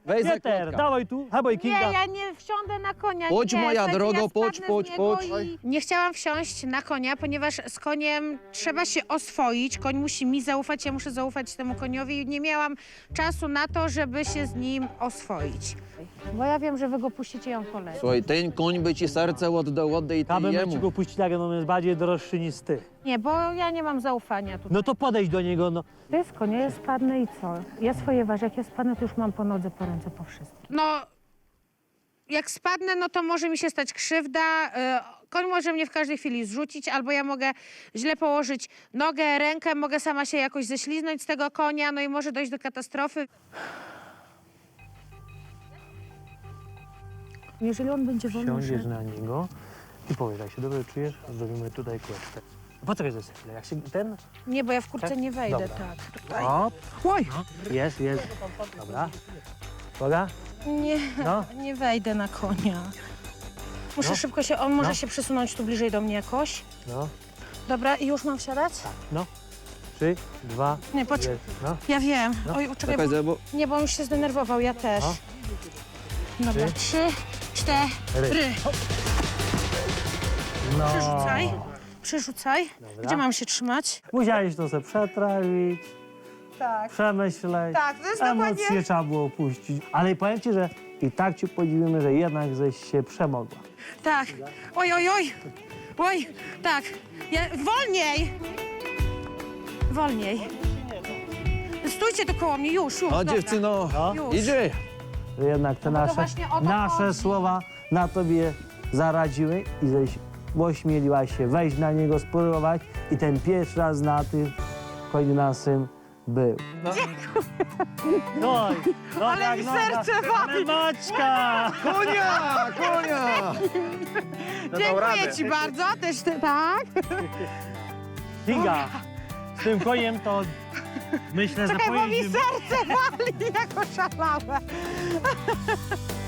Weź za Pieter, kotka. dawaj tu, habaj Nie, Kinga. ja nie wsiądę na konia. Chodź, nie, moja słuchajcie, drogo, ja chodź, spadnę chodź, z niego chodź. Nie chciałam wsiąść na konia, ponieważ z koniem trzeba się oswoić. Koń musi mi zaufać, ja muszę zaufać temu koniowi i nie miałam czasu na to, żeby się z nim oswoić. Bo ja wiem, że wy go puścicie i on poleci. Słuchaj, ten koń by ci serce oddaj ty Kabel ci jemu. go puścić, jak on jest bardziej droższy niż ty. Nie, bo ja nie mam zaufania tutaj. No to podejdź do niego, no. To jest konia, ja spadnę i co? Ja swoje ważę, jak ja spadnę, to już mam po nodze, po ręce, po wszystkim. No, jak spadnę, no to może mi się stać krzywda. Koń może mnie w każdej chwili zrzucić, albo ja mogę źle położyć nogę, rękę, mogę sama się jakoś ześliznąć z tego konia, no i może dojść do katastrofy. Jeżeli on będzie wolny, Siądziesz na niego i powiesz, jak się dobrze czujesz, zrobimy tutaj kłeczkę. Poczekaj za chwilę, jak się ten... Nie, bo ja w kurce Tak? nie wejdę, Dobra. tak. Tutaj. Hop, Oj! jest. Dobra. Uwaga. Nie, No. nie wejdę na konia. Muszę szybko się, on może No. się przesunąć tu bliżej do mnie jakoś. No, Dobra, i już mam wsiadać? no. 3, 2, Nie, poczekaj. 1, no. Ja wiem. No. Oj, czekaj, Czekaj, bo... bo... Nie, bo on już się zdenerwował, ja też. No. Dobra, 3, 4. No. Przerzucaj. Dobra. Gdzie mam się trzymać? Musiałeś to sobie przetrawić, Tak. przemyśleć. Tak, to jest Emocje dokładnie... trzeba było puścić. Ale powiem ci, że i tak ci podziwimy, że jednak żeś się przemogła. Tak. Oj, oj, oj. Oj, tak. Wolniej. Wolniej. Stójcie tu koło mnie, już, A dobra. dziewczyno, No. Już. idzie. Że jednak te No bo to nasze, właśnie o to nasze chodzi. słowa na tobie zaradziły i żeś ośmieliłaś się wejść na niego, spróbować i ten pierwszy raz na tym koń naszym był. No. No, Ale mi serce wali. Maćka! Konia! Dziękuję ci bardzo. Też ty, tak? Kinga, z tym koniem to myślę, że Czekaj, bo mi pojedziemy. serce wali, jak oszalałe.